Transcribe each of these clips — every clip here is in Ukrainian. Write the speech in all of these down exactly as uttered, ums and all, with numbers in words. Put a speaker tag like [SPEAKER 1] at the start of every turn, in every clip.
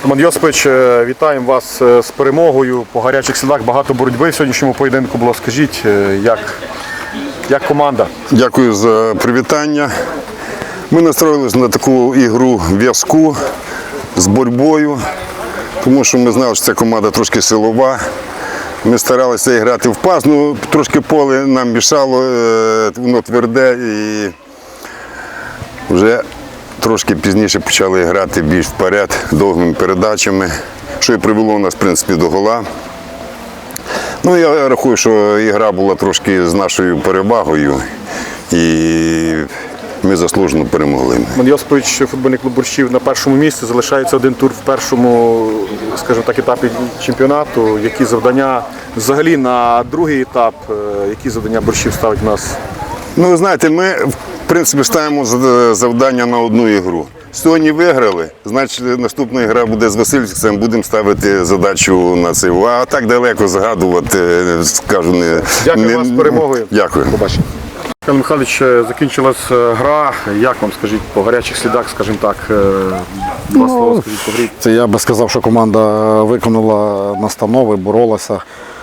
[SPEAKER 1] Роман Йосипович, вітаємо вас з перемогою. По гарячих слідах багато боротьби в сьогоднішньому поєдинку було. Скажіть, як, як команда?
[SPEAKER 2] Дякую за привітання. Ми настроїлися на таку ігру в'язку з боротьбою, тому що ми знали, що ця команда трошки силова. Ми старалися грати в пас, ну трошки поле нам мішало, воно тверде і вже трошки пізніше почали грати більш вперед, довгими передачами, що і привело нас, в принципі, до гола. Ну, я рахую, що ігра була трошки з нашою перевагою і ми заслужено перемогли.
[SPEAKER 1] Роман Йосипович, футбольний клуб Борщів на першому місці, залишається один тур в першому, скажімо так, етапі чемпіонату. Які завдання взагалі на другий етап, які завдання Борщів ставить в нас?
[SPEAKER 2] Ну, ви знаєте, ми, в принципі, ставимо завдання на одну ігру. Сьогодні виграли, значить наступна гра буде з Васильівцем, будемо ставити задачу на це. А так далеко згадувати, скажу, не...
[SPEAKER 1] Дякую
[SPEAKER 2] не,
[SPEAKER 1] вам з перемогою.
[SPEAKER 2] Дякую.
[SPEAKER 1] Побачимо. Михайло Михайлович, закінчилась гра. Як вам, скажіть, по гарячих слідах, скажімо так, два слова, скажіть, по грі?
[SPEAKER 3] Це я би сказав, що команда виконала настанови, боролася.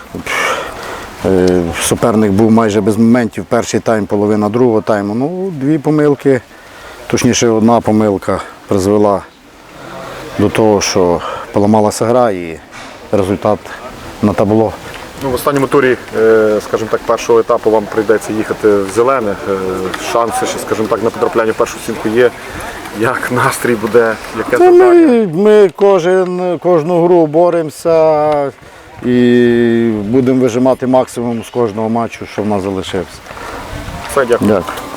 [SPEAKER 3] Суперник був майже без моментів. Перший тайм, половина другого тайму. Ну, дві помилки, точніше одна помилка призвела до того, що поламалася гра і результат на табло.
[SPEAKER 1] Ну, в останньому турі, скажімо так, першого етапу вам прийдеться їхати в зелених. Шанси, ще, скажімо так, на потрапляння в першу сімку є. Як настрій буде, яке завдання?
[SPEAKER 3] Ми, ми кожен, кожну гру боремося і будемо вижимати максимум з кожного матчу, що в нас залишився.
[SPEAKER 1] Все, дякую.
[SPEAKER 3] Дякую.